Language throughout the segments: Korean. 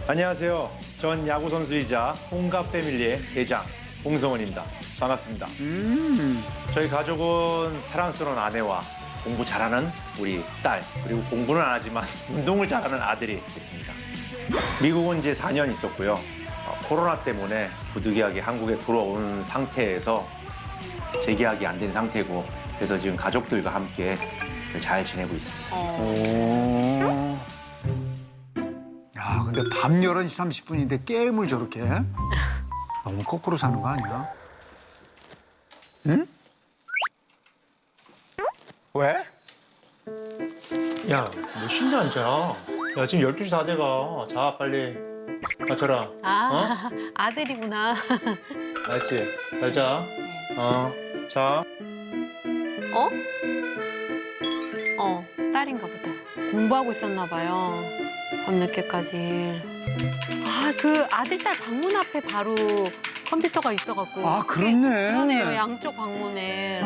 안녕하세요. 전 야구 선수이자 홍갑 패밀리의 대장 홍성원입니다. 반갑습니다. 저희 가족은 사랑스러운 아내와 공부 잘하는 우리 딸, 그리고 공부는 안 하지만 운동을 잘하는 아들이 있습니다. 미국은 이제 4년 있었고요. 코로나 때문에 부득이하게 한국에 돌아온 상태에서 재계약이 안 된 상태고, 그래서 지금 가족들과 함께 잘 지내고 있습니다. 야, 근데 밤 11시 30분인데 게임을 저렇게 해? 너무 거꾸로 사는 거 아니야? 응? 왜? 야, 몇 시인데 안 자? 야, 지금 12시 다 돼가. 자, 빨리. 맞춰라. 아들이구나. 알았지? 잘 자. 자. 딸인가 보다. 공부하고 있었나 봐요. 밤늦게까지. 그 아들, 딸 방문 앞에 바로 컴퓨터가 있어갖고. 아, 그렇네. 그러네요, 양쪽 방문에.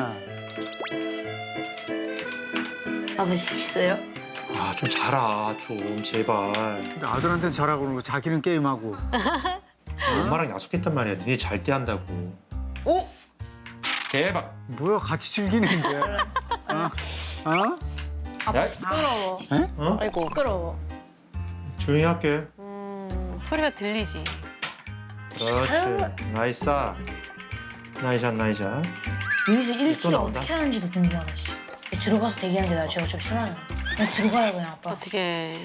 아버지 있어요? 아, 좀 자라, 좀, 제발. 근데 아들한테는 잘하고 그러고 자기는 게임하고. 엄마랑 약속했단 말이야. 니네 잘 때 한다고. 오! 대박. 뭐야, 같이 즐기네, 이제. 아빠 야. 시끄러워. 어? 아이고. 시끄러워. 조용히 할게. 소리가 들리지. 그렇지. 나이스. 나이샷, 나이샷. 여기서 또 1kg 나온다? 어떻게 하는지도 궁금하다, 씨. 들어가서 대기하는 게 나아. 제가 어차피 쓰나요? 그냥 들어가요, 그냥 아빠. 어떻게.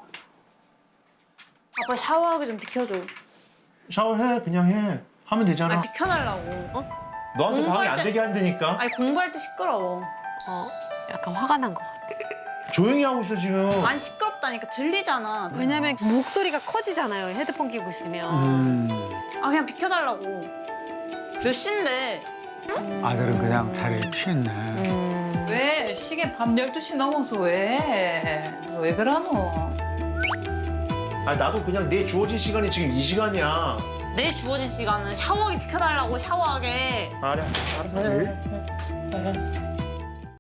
아빠 샤워하기 좀 비켜줘. 샤워해, 그냥 해. 하면 되잖아. 비켜달라고. 너한테 방해 공부할 안 때- 되게 한다니까. 아니 공부할 때 시끄러워. 약간 화가 난 것 같아. 조용히 하고 있어, 지금. 안 시끄럽다니까 들리잖아. 왜냐면 목소리가 커지잖아요, 헤드폰 끼고 있으면. 아 그냥 비켜달라고. 몇 시인데? 아들은 그냥 자리를 피했네. 왜? 시계 밤 12시 넘어서 왜? 왜 그러노? 아, 나도 그냥 내 주어진 시간이 지금 이 시간이야. 내 주어진 시간은 샤워하기 비켜달라고 샤워하게. 알아.